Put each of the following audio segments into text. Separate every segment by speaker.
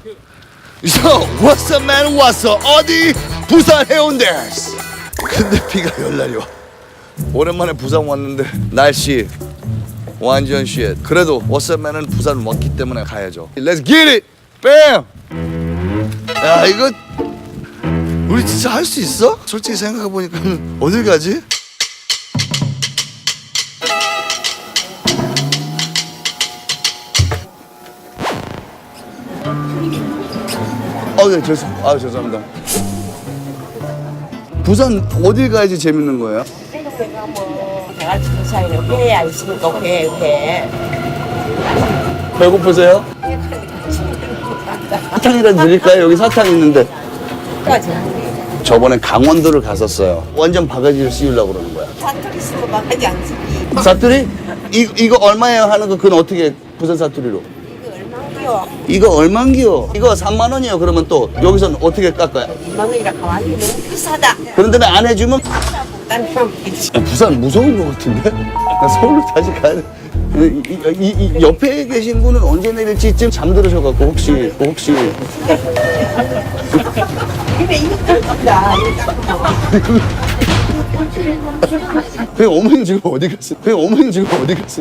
Speaker 1: So, what's up, man? What's up? 어디? 부산 해운대. 근데 비가 열날이 와. 오랜만에 부산 왔는데 날씨 완전 쉣. 그래도 what's up, man은 부산 왔기 때문에 가야죠. Let's get it! Bam! 야, 이거 우리 진짜 할 수 있어? 솔직히 생각해보니까 어딜 가지? 네, 죄송합니다. 부산 어딜 가야지 재밌는 거예요?
Speaker 2: 같이 부산에 회 아니십니까? 회.
Speaker 1: 배고프세요? 사탕이라도 드릴까요? 여기 사탕 있는데. 저번에 강원도를 갔었어요. 완전 바가지를 씌우려고 그러는 거야.
Speaker 2: 사투리 쓰고 바가지 안 쓰기.
Speaker 1: 사투리? 이거 얼마예요 하는 거 그건 어떻게 부산 사투리로?
Speaker 2: 이거 얼마요?
Speaker 1: 이거 얼만기요? 이거 3만 원이요. 그러면 또 여기서는 어떻게 깎아요?
Speaker 2: 2만 원이라 가만히 너무 비싸다.
Speaker 1: 그런데 안 해주면
Speaker 2: 난 그럼 비치.
Speaker 1: 부산 무서운 것 같은데? 나 서울로 다시 가야 돼. 이 옆에 계신 분은 언제 내릴지쯤 잠들으셔갖고 혹시
Speaker 2: 근데 이거 깎는다.
Speaker 1: 어머니 지금 어디 갔어요? 어머니 지금 어디 갔어요?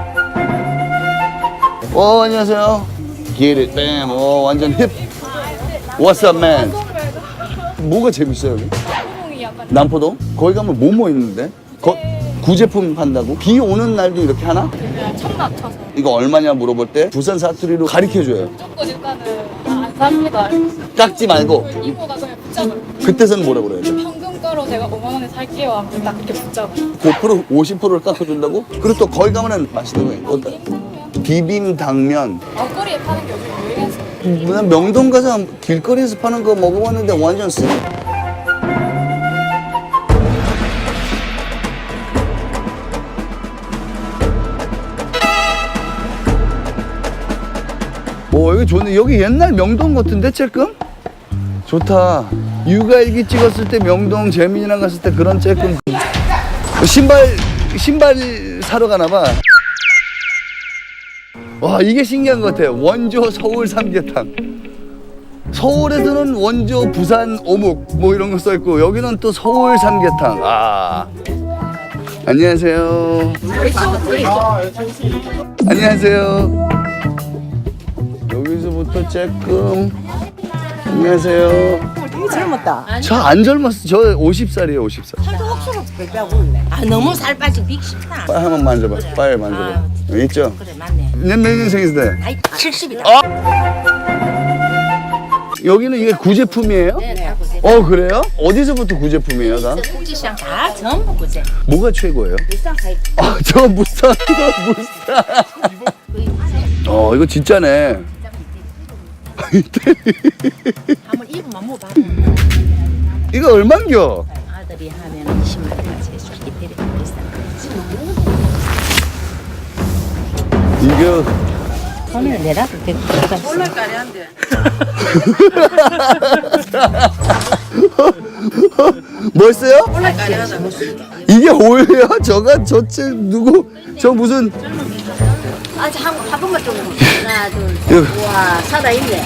Speaker 1: 안녕하세요. Get it, bam. 완전 힙. What's up, man? 뭐가 재밌어요 여기? 남포동? 거기 가면 뭐뭐 있는데? 구제품 판다고? 비 오는 날도 이렇게 하나?
Speaker 3: 천막 쳐서
Speaker 1: 이거 얼마냐 물어볼 때 부산 사투리로 가르쳐줘요.
Speaker 3: 무조건 일단은 안 삽니다.
Speaker 1: 깎지 말고.
Speaker 3: 이보다 그냥 붙잡아요.
Speaker 1: 그때서는 뭐라 그래야 돼?
Speaker 3: 평균가로 제가 5만 원에 살게요 하면 딱 이렇게 붙잡아요.
Speaker 1: 5%, 50%를 깎아준다고? 그리고 또 거기 가면은 맛있는 거 있거든. 비빔당면.
Speaker 3: 길거리에 파는 게 요즘 유행해서
Speaker 1: 난 명동 가서 길거리에서 파는 거 먹어봤는데 완전 쓰. 여기 좋네. 여기 옛날 명동 같은데 쬐끔? 좋다. 육아일기 찍었을 때 명동 재민이랑 갔을 때 그런 쬐끔. 신발 사러 가나봐. 와, 이게 신기한 것 같아. 원조 서울 삼계탕. 서울에서는 원조 부산 어묵 뭐 이런 거 써있고 여기는 또 서울 삼계탕. 안녕하세요. 안녕하세요. 여기서부터 쬐끔. 안녕하세요.
Speaker 2: 되게 젊었다.
Speaker 1: 저 안 젊었어. 저 50살이에요 50살.
Speaker 2: 살도 혹시나 배배하고 있네. 아 너무 살 빠진 빅 싶다.
Speaker 1: 빨리 한번 만져봐. 빨리 만져봐. 여기 있죠?
Speaker 2: 그래 맞네.
Speaker 1: 몇 년생이세요?
Speaker 2: 나이 70이다.
Speaker 1: 여기는 이게 구제품이에요?
Speaker 2: 네.
Speaker 1: 그래요? 어디서부터 구제품이에요 다?
Speaker 2: 국지시장 다 전부 그제.
Speaker 1: 뭐가 최고예요?
Speaker 2: 일상 사이.
Speaker 1: 저 무쌍. 이거 진짜네.
Speaker 2: 한번 입으면 뭐 받아.
Speaker 1: 이거 얼만겨?
Speaker 2: 아들이 하면 20만 원까지 해줄게. 데리고 비싼 거지.
Speaker 1: 이거
Speaker 2: 돈을 내라도 되고. 올라가리한데.
Speaker 1: 뭐였어요?
Speaker 2: 올라가리하다.
Speaker 1: 이게 오예요? 누구? 저 무슨
Speaker 2: 아직 한 번만 좀. 하나 둘 셋. 우와 살아있네.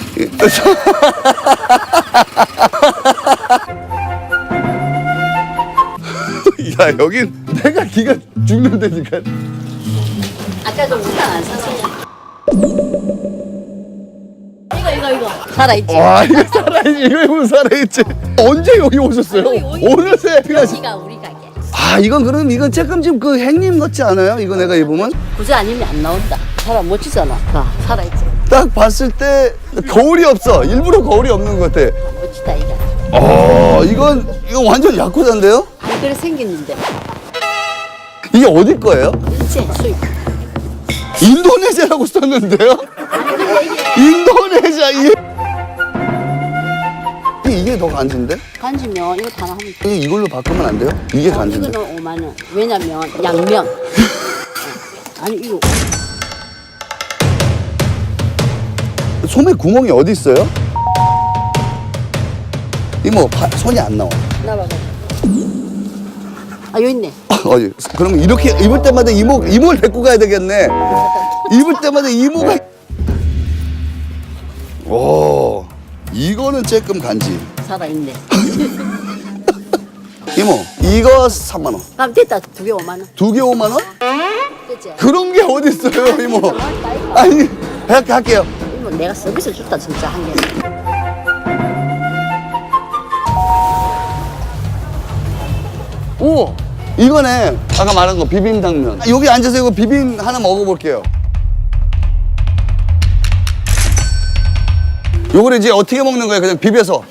Speaker 1: 야, 여긴 내가 기가 죽는 데니까.
Speaker 2: 아까 좀 우산 안 샀어요. 이거 살아있지.
Speaker 1: 와, 이거 살아있지. 이거 살아있지. 언제 여기 오셨어요? 어느새
Speaker 2: 여기가 우리 가게.
Speaker 1: 이건 쬐끔씩 그 행님 같지 않아요? 이거 내가 입으면?
Speaker 2: 부자 아니면 안 나온다. 사람 멋지잖아. 살아있지.
Speaker 1: 딱 봤을 때 거울이 없어. 일부러 거울이 없는 것 같아.
Speaker 2: 멋지다 이거.
Speaker 1: 이건 완전 야쿠자인데요?
Speaker 2: 안 그래 생겼는데.
Speaker 1: 이게 어디 거예요?
Speaker 2: 일제 수입.
Speaker 1: 인도네시아라고 썼는데요? 인도네시아 이게 더 간지인데?
Speaker 2: 간지면 이거 다 하면 돼.
Speaker 1: 이걸로 바꾸면 안 돼요? 이게 간지인데?
Speaker 2: 이거는 5만 원. 왜냐면 양면. 아니 이거
Speaker 1: 소매 구멍이 어디 있어요? 이모 손이 안 나와.
Speaker 2: 나봐봐. 여기 있네.
Speaker 1: 그럼 이렇게 입을 때마다 이모를 데리고 가야 되겠네. 입을 때마다 이모가. 오. 이거는 조금 간지.
Speaker 2: 살아있네.
Speaker 1: 이모, 이거 3만 원.
Speaker 2: 그럼 됐다. 2개 5만 원.
Speaker 1: 2개 5만 원?
Speaker 2: 그치?
Speaker 1: 그런 게 어디 있어요, 이모? 아니, 이렇게 할게요.
Speaker 2: 이거 내가 서비스 줬다 진짜 한 개.
Speaker 1: 오, 이거네. 아까 말한 거 비빔당면. 여기 앉아서 이거 비빔 하나 먹어볼게요. 요거를 이제 어떻게 먹는 거예요? 그냥 비벼서.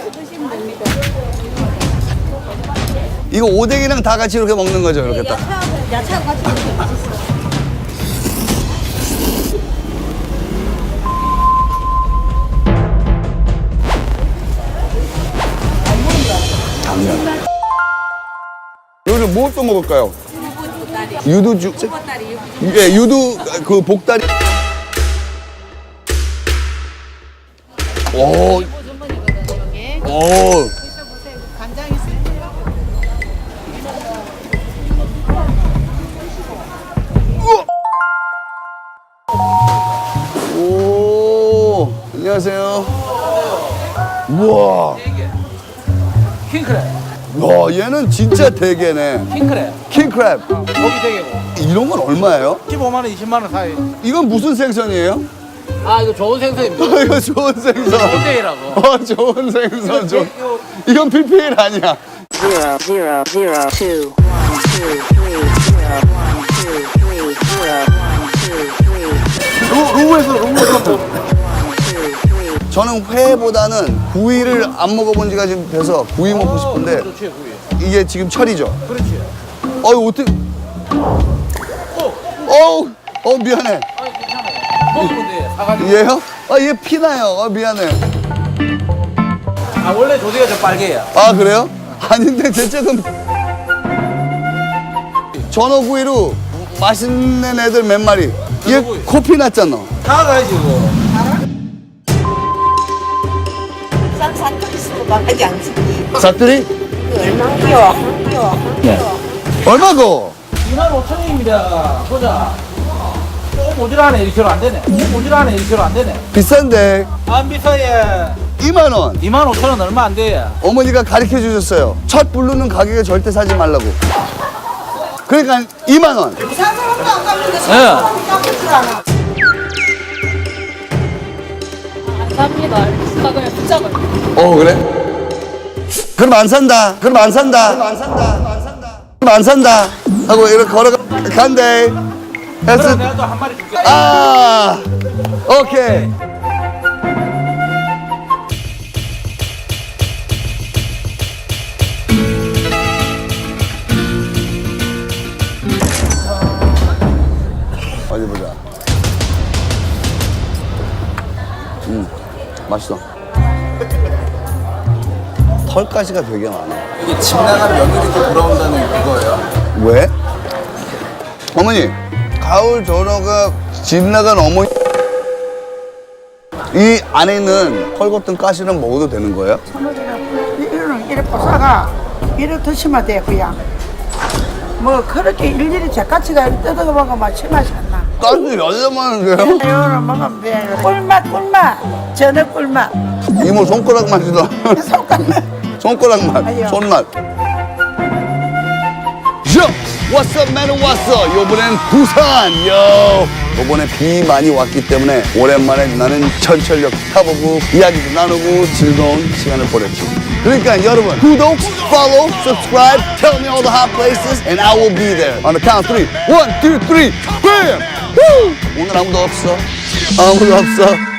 Speaker 1: 이거 오뎅이랑 다 같이 이렇게 먹는 거죠, 이렇게 딱.
Speaker 2: 야채하고 같이 먹으면 맛있어.
Speaker 1: 당면. 여기서 뭐 또 먹을까요? 유두죽. 예, 유두 그 복다리. 오. 오. 오, 안녕하세요. 우와.
Speaker 4: 킹크랩.
Speaker 1: 와, 얘는 진짜 대게네.
Speaker 4: 킹크랩.
Speaker 1: 킹크랩.
Speaker 4: 고기 대게고.
Speaker 1: 이런 건 얼마예요?
Speaker 4: 15만 원, 20만 원 사이.
Speaker 1: 이건 무슨 생선이에요?
Speaker 4: 아, 이거 좋은 생선입니다.
Speaker 1: 이거 좋은 생선.
Speaker 4: 고대이라고.
Speaker 1: 좋은 생선. 이건 PPL 아니야.
Speaker 5: 0 0 0 2 1 2 3 0 1 2 3 0 1 2 3
Speaker 1: 로우에서. 저는 회보다는 구이를 안 먹어본 지가 지금 돼서 구이 먹고 싶은데
Speaker 4: 그렇지, 구이.
Speaker 1: 이게 지금 철이죠?
Speaker 4: 그렇지.
Speaker 1: 어이 어떻게? 미안해.
Speaker 4: 아, 괜찮아요. 먹으면 돼. 사가지고.
Speaker 1: 얘요? 얘 피나요. 미안해.
Speaker 4: 아, 원래 조개가 좀 빨개요.
Speaker 1: 아 그래요? 아닌데 대체금 전어구이로 맛있는 애들 몇 마리. 얘
Speaker 4: 전어구이.
Speaker 1: 코피 났잖아.
Speaker 4: 사가야지, 이거.
Speaker 1: 사투리?
Speaker 2: 얼마나 귀여워.
Speaker 1: 얼마고?
Speaker 4: 25,000원입니다. 보자. 조금 모자라네. 1kg 안 되네. 조금 모자라네. 1kg 안 되네.
Speaker 1: 비싼데
Speaker 4: 안 비싸요.
Speaker 1: 2만 원.
Speaker 4: 25,000원 얼마 안 돼요.
Speaker 1: 어머니가 가르쳐 주셨어요. 첫 부르는 가격에 절대 사지 말라고. 그러니까 2만 원.
Speaker 4: 예.
Speaker 3: 안 삽니다. 나 그냥 붙잡아요.
Speaker 1: 그래? 그럼 안 산다. 그럼 안 산다. 그럼 안 산다. 그럼 안 산다. 하고 이렇게 걸어가 간대. 해서
Speaker 4: 그럼 내가 또 한 마리 줄게.
Speaker 1: 오케이. 어디 보자. 맛있어. 털가시가 되게 많아.
Speaker 6: 이게 집 나간 며느리도 돌아온다는 그거예요.
Speaker 1: 왜? 어머니, 가을 전어가 집 나간 어머니. 이 안에는 털것든 가시는 먹어도 되는 거예요?
Speaker 7: 이거는 이래 보사가 이래 드시면 돼 그냥 뭐 그렇게 일일이 제까지가 뜯어가 먹으면 맛이 안 나.
Speaker 1: 가시 열려만한데요?
Speaker 7: 이거는 먹으면 돼. 꿀맛 전어 꿀맛
Speaker 1: 이모 손가락 맛이다.
Speaker 7: 손가락
Speaker 1: 손가락 맛,
Speaker 7: 아니요.
Speaker 1: 손맛. 요! What's up, man? What's up? 요번엔 부산, 요! 요번에 비 많이 왔기 때문에 오랜만에 나는 전철역 타보고 이야기도 나누고 즐거운 시간을 보냈지. 그러니까 여러분, 구독, follow, subscribe, tell me all the hot places, and I will be there. On the count of 3. 1, 2, 3, BAM! Woo! 오늘 아무도 없어. 아무도 없어.